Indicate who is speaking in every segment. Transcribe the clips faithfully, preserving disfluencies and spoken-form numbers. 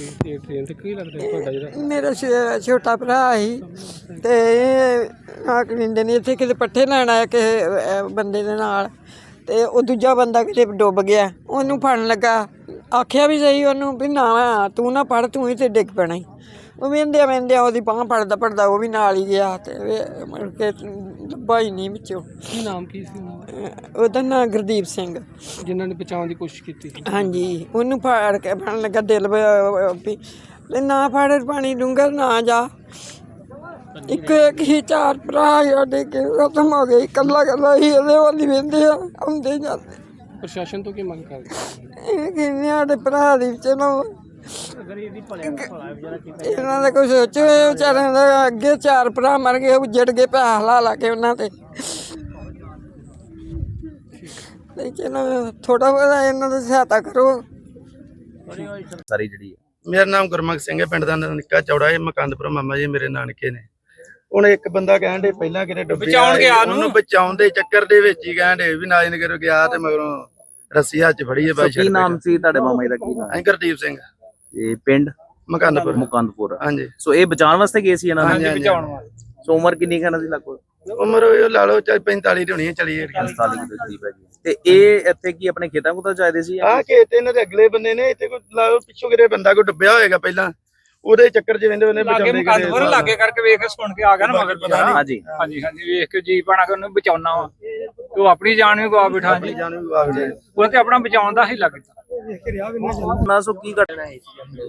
Speaker 1: Train ते की लगदा तुहाडा जेह्ड़ा
Speaker 2: मेरा छोटा भरा ही ते कलिंदे ने इत्थे किते पट्ठे लैन आया किसे बंदे दे नाल ते ओह् दूजा बंदा किते डुੱਬ गया ओनू फड़न लगा आखिया भी सही ओनू भी ना तू ना पढ़ तू ही ते डिग पैना ही ਉਹ ਵਹਿੰਦਿਆਂ ਵਹਿੰਦਿਆਂ ਉਹਦੀ ਬਾਂਹ ਫੜਦਾ ਫੜਦਾ ਉਹ ਵੀ ਨਾਲ ਹੀ ਗਿਆ ਤੇ ਮੁੜ ਕੇ ਲੱਭਾ ਹੀ ਨਹੀਂ ਵਿੱਚੋਂ।
Speaker 1: ਕੀ ਨਾਮ ਕੀ ਸੀ ਉਹਨਾਂ ਦਾ?
Speaker 2: ਉਹਦਾ ਨਾਂ ਗੁਰਦੀਪ ਸਿੰਘ,
Speaker 1: ਜਿਨ੍ਹਾਂ ਨੇ ਬਚਾਉਣ ਦੀ ਕੋਸ਼ਿਸ਼ ਕੀਤੀ ਸੀ।
Speaker 2: ਹਾਂਜੀ ਉਹਨੂੰ ਫੜ ਕੇ ਫੜਨ ਲੱਗਾ ਦਿਲ ਵੀ ਨਾ ਫੜ ਪਾਣੀ ਡੂੰਘਾ ਨਾ ਜਾ। ਇੱਕ ਇੱਕ ਹੀ ਚਾਰ ਭਰਾ ਸਾਡੇ ਕੇ ਖਤਮ ਹੋ ਗਏ, ਇਕੱਲਾ ਇਕੱਲਾ ਹੀ ਇਹਦੇ ਵੱਲ ਹੀ ਵਹਿੰਦੇ ਆ ਆਉਂਦੇ ਜਾਂਦੇ।
Speaker 1: ਪ੍ਰਸ਼ਾਸਨ ਤੋਂ ਕੀ ਮੰਗ ਕਰਦੇ?
Speaker 2: ਇਹ ਕਹਿੰਦੇ ਸਾਡੇ ਭਰਾ ਦੀ ਚਲੋ ਇਹਨਾਂ ਦਾ ਕੁਛ ਸੋਚੋ, ਵਿਚਾਰਿਆਂ ਦਾ ਅੱਗੇ ਚਾਰ ਭਰਾ ਮਰ ਗਏ ਉੱਜੜ ਗਏ ਪੈਸਾ ਲਾ ਲਾ ਕੇ ਉਹਨਾਂ ਤੇ ਚਲੋ ਥੋੜਾ ਬਹੁਤਾ ਇਹਨਾਂ ਦੀ ਸਹਾਇਤਾ ਕਰੋ।
Speaker 3: ਸਾਰੀ ਜਿਹੜੀ
Speaker 4: ਮੇਰਾ ਨਾਮ ਗੁਰਮੁਖ ਸਿੰਘ ਹੈ, ਪਿੰਡ ਦਾ ਨਿੱਕਾ ਚੌੜਾ ਹੈ, ਮਕੰਦਪੁਰ ਮਾਮਾ ਜੀ ਮੇਰੇ ਨਾਨਕੇ ਨੇ। ਹੁਣ ਇੱਕ ਬੰਦਾ ਕਹਿਣ ਦੇ ਪਹਿਲਾਂ ਕਿਤੇ ਡੁੱਬਿਆ ਉਹਨੂੰ ਬਚਾਉਣ ਦੇ ਚੱਕਰ ਦੇ ਵਿੱਚ ਹੀ ਕਹਿਣ ਦੇ ਵੀ ਨਾਜ ਨਗਰ ਗਿਆ ਤੇ ਮਗਰੋਂ ਰੱਸੀ ਹੱਥ ਚ ਫੜੀ ਹੈ ਬਾਈ।
Speaker 3: ਕੀ ਨਾਮ ਸੀ ਤੁਹਾਡੇ ਮਾਮਾ ਜੀ ਦਾ? ਕੀ ਨਾਮ?
Speaker 4: ਗੁਰਦੀਪ ਸਿੰਘ।
Speaker 3: ਇਹ ਪਿੰਡ
Speaker 4: ਮਕੰਦਪੁਰ।
Speaker 3: ਮਕੰਦਪੁਰ,
Speaker 4: ਹਾਂਜੀ।
Speaker 3: ਸੋ ਇਹ ਬਚਾਉਣ ਵਾਸਤੇ ਗਏ ਸੀ ਇਹਨਾਂ
Speaker 4: ਨੂੰ? ਬਚਾਉਣ ਵਾਸਤੇ।
Speaker 3: ਸੋ ਉਮਰ ਕਿੰਨੀ ਖਾਣਾ ਸੀ ਲੱਗੋ?
Speaker 4: ਉਮਰ ਲਾ ਲਓ ਚਾਹੇ ਪੈਂਤਾਲੀ ਦੀ ਹੋਣੀ ਹੈ, ਚਲੀ
Speaker 3: ਪੰਤਾਲੀ ਦੇ ਕਰੀਬ ਹੈਗੀ। ਤੇ ਇਹ ਇੱਥੇ ਕੀ ਆਪਣੇ ਖੇਤਾਂ ਕੋਲ ਚਾਹਦੇ ਸੀ?
Speaker 4: ਆਹ ਖੇਤ ਇਹਨਾਂ ਦੇ ਅਗਲੇ ਬੰਦੇ ਨੇ, ਇੱਥੇ ਕੋਈ ਲਾ ਲਓ ਪਿੱਛੋਂ ਕਿਤੇ ਬੰਦਾ ਕੋਈ ਡੁੱਬਿਆ ਹੋਏਗਾ ਪਹਿਲਾਂ, ਉਹਦੇ ਚੱਕਰ ਚ ਵੰਦੇ ਵੰਦੇ
Speaker 5: ਬਚਾਉਂਦੇ ਲਾਗੇ ਕਰਕੇ ਵੇਖ ਸੁਣ ਕੇ ਆ ਗਿਆ ਨਾ ਮਗਰ ਪਤਾ।
Speaker 3: ਹਾਂਜੀ
Speaker 5: ਹਾਂਜੀ ਹਾਂਜੀ ਵੇਖ ਕੇ ਜੀ ਪਾਣਾ ਕਿ ਉਹਨੂੰ ਬਚਾਉਣਾ ਵਾ, ਤੂੰ ਆਪਣੀ ਜਾਨ ਵੀ ਗਵਾ ਬਿਠਾ ਜੀ, ਉਹ ਤੇ ਆਪਣਾ ਬਚਾਉਣ ਦਾ ਹੀ ਲੱਗਦਾ।
Speaker 3: ਨਾ ਸੋ ਕੀ ਘਟਨਾ ਹੈ?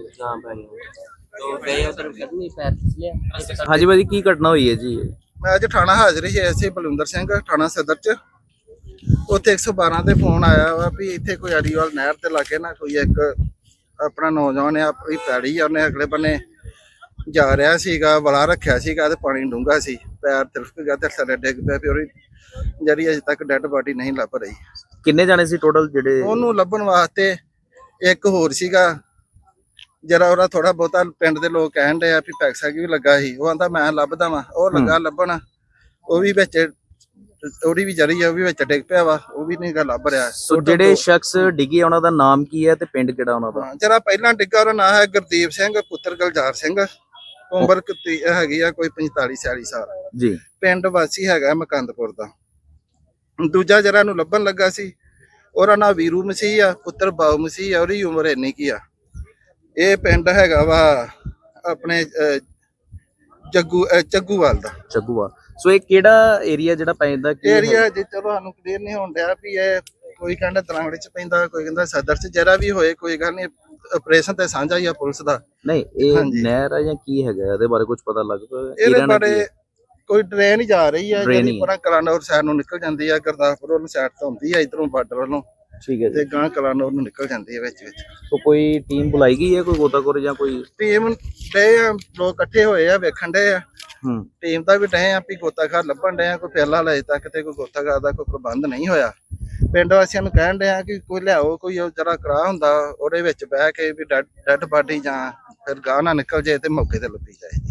Speaker 3: ਹਾਂਜੀ ਭਾਜੀ ਕੀ ਘਟਨਾ ਹੋਈ ਹੈ ਜੀ?
Speaker 6: ਮੈਂ ਅੱਜ ਥਾਣਾ ਹਾਜ਼ਰ ਸੀ, ਐਸੇ ਬਲਵਿੰਦਰ ਸਿੰਘ ਥਾਣਾ ਸਦਰ ਚ। ਉੱਥੇ ਇੱਕ ਸੌ ਬਾਰਾਂ ਤੇ ਫੋਨ ਆਇਆ ਵਾ ਵੀ ਇੱਥੇ ਕੋਈ ਅਰੀਵਾਲ ਨਹਿਰ ਤੇ ਲਾਗੇ ਨਾ ਕੋਈ ਇੱਕ ਆਪਣਾ ਨੌਜਵਾਨ ਆ, ਆਪਣੀ ਪੈੜੀ ਆ, ਉਹਨੇ ਅਗਲੇ ਬੰਨੇ ਜਾ ਰਿਹਾ ਸੀਗਾ, ਵਲਾ ਰੱਖਿਆ ਸੀਗਾ ਤੇ ਪਾਣੀ ਡੂੰਘਾ ਸੀ, ਪੈਰ ਤਿਲਕ ਗਿਆ ਤੇ ਥੱਲੇ ਡਿੱਗ ਪਿਆ ਵੀ ਉਹਦੀ ਜਿਹੜੀ ਅਜੇ ਤੱਕ ਡੈਡ ਬਾਡੀ ਨਹੀਂ ਲੱਭ ਰਹੀ।
Speaker 3: ਕਿੰਨੇ ਜਾਣੇ ਸੀ ਟੋਟਲ ਜਿਹੜੇ?
Speaker 6: ਉਹਨੂੰ ਲੱਭਣ ਵਾਸਤੇ ਇੱਕ ਹੋਰ ਸੀਗਾ ਜਰਾ, ਉਹਦਾ ਥੋੜਾ ਬਹੁਤਾ ਪਿੰਡ ਦੇ ਲੋਕ ਕਹਿਣ ਦੇ ਆ ਵੀ ਪੈਕਸਾ ਵੀ ਲੱਗਾ ਸੀ, ਉਹ ਆਂਦਾ ਮੈਂ ਲੱਭਦਾ ਵਾ, ਉਹ ਲੱਗਾ ਲੱਭਣ, ਉਹ ਵੀ ਵਿੱਚ ਉਹਦੀ ਵੀ ਜਰੀ ਆ, ਉਹ ਵੀ ਵਿੱਚ ਡਿੱਗ ਪਿਆ ਵਾ, ਉਹ ਵੀ ਨਹੀਂ ਗਾ ਲੱਭ ਰਿਹਾ।
Speaker 3: ਸੋ ਜਿਹੜੇ ਸ਼ਖਸ ਡਿੱਗੇ ਉਹਨਾਂ ਦਾ ਨਾਮ ਕੀ ਹੈ ਤੇ ਪਿੰਡ ਕਿਹੜਾ ਉਹਨਾਂ ਦਾ?
Speaker 6: ਜਿਹੜਾ ਪਹਿਲਾਂ ਡਿੱਗਾ ਉਹਦਾ ਨਾਮ ਹੈ ਗੁਰਦੀਪ ਸਿੰਘ ਪੁੱਤਰ ਗੁਲਜ਼ਾਰ ਸਿੰਘ, ਉਮਰ ਹੈਗੀ ਆ ਕੋਈ ਪੰਤਾਲੀ ਛਿਆਲੀ ਸਾਲ
Speaker 3: ਜੀ, ਪਿੰਡ
Speaker 6: ਵਾਸੀ ਹੈਗਾ ਮਕੰਦਪੁਰ ਦਾ। ਦੂਜਾ ਜਿਹੜਾ ਨੂੰ ਲੱਭਣ ਲੱਗਾ ਸੀ ਉਹਦਾ ਨਾਂ ਵੀਰੂ ਮਸੀਹ ਆ, ਪੁੱਤਰ ਬਾਉ ਮਸੀਹ ਆ, ਉਹਦੀ ਉਮਰ ਇੰਨੀ ਕੀ ਆ। ਇਹ ਪਿੰਡ ਹੈਗਾ ਵਾ ਆਪਣੇ ਜੱਗੂ ਚੱਗੂਵਾਲ ਦਾ।
Speaker 3: ਚੱਗੂਵਾਲ। ਸੋ ਇਹ ਕਿਹੜਾ ਏਰੀਆ ਜਿਹੜਾ ਪੈਂਦਾ?
Speaker 6: ਏਰੀਆ ਜੇ ਚਲੋ ਸਾਨੂੰ ਕਲੀਅਰ ਨਹੀਂ ਹੋਣ ਡਿਆ ਵੀ ਇਹ ਕੋਈ ਕਹਿੰਦਾ ਤਲਾਂਗੜੇ ਚ ਪੈਂਦਾ, ਕੋਈ ਕਹਿੰਦਾ ਸਦਰ ਚ, ਜਿਹੜਾ ਵੀ ਹੋਏ ਕੋਈ ਗੱਲ ਨਹੀਂ, ਆਪਰੇਸ਼ਨ ਤੇ ਸਾਂਝਾ ਹੀ ਆ ਪੁਲਿਸ ਦਾ। ਨਹੀਂ ਇਹ ਨਹਿਰ ਆ ਜਾਂ ਕੀ ਹੈਗਾ, ਇਹਦੇ ਬਾਰੇ ਕੁਝ ਪਤਾ ਲੱਗ ਪਿਆ? ਇਹਦੇ ਬਾਰੇ ਕੋਈ ਟ੍ਰੇਨ ਹੀ ਜਾ ਰਹੀ ਆ ਜਿਹੜੀ ਪਰਾਂ ਕਲਾਨੌਰ ਸਾਈਡ ਨੂੰ ਨਿਕਲ ਜਾਂਦੀ ਆ, ਗੁਰਦਾਸਪੁਰ ਵੱਲੋਂ ਸਾਈਡ ਤੋਂ ਹੁੰਦੀ ਆ, ਇਧਰੋਂ ਬਾਰਡਰ ਵੱਲੋਂ। ਠੀਕ ਹੈ ਤੇ ਗਾਂ ਕਲਾਨੌਰ ਨੂੰ ਨਿਕਲ ਜਾਂਦੀ ਹੈ ਵਿੱਚ ਵਿੱਚ।
Speaker 3: ਸੋ ਕੋਈ ਟੀਮ ਬੁਲਾਈ ਗਈ ਹੈ, ਕੋਈ ਗੋਤਾਖੋਰ ਜਾਂ ਕੋਈ
Speaker 6: ਟੀਮ ਡੇ ਆ, ਲੋਕ ਇਕੱਠੇ ਹੋਏ ਆ, ਵੇਖਣ ਡੇ ਆ। ਹੂੰ ਟੀਮ ਦਾ ਵੀ ਡੇ ਆ ਵੀ ਗੋਤਾਖੋਰ ਲੱਭਣ ਡੇ ਆ, ਕੋਈ ਫਿਲਹਾਲ ਅਜੇ ਤੱਕ ਤੇ ਕੋਈ ਗੋਤਾਖੋਰ ਦਾ ਕੋਈ ਪ੍ਰਬੰਧ ਨਹੀਂ ਹੋਇਆ। ਪਿੰਡ ਵਾਸੀਆਂ ਨੂੰ ਕਹਿਣ ਡੇ ਆ ਕਿ ਕੋਈ ਲਿਆਓ, ਕੋਈ ਜਿਹੜਾ ਕਰਾ ਹੁੰਦਾ ਉਹਦੇ ਵਿੱਚ ਬਹਿ ਕੇ ਵੀ ਡੈਡ ਬਾਡੀ ਜਾਂ ਫਿਰ ਗਾਂ ਨਾ ਨਿਕਲ ਜਾਏ ਤੇ ਮੌਕੇ ਤੇ ਲੱਭੀ ਜਾਏ।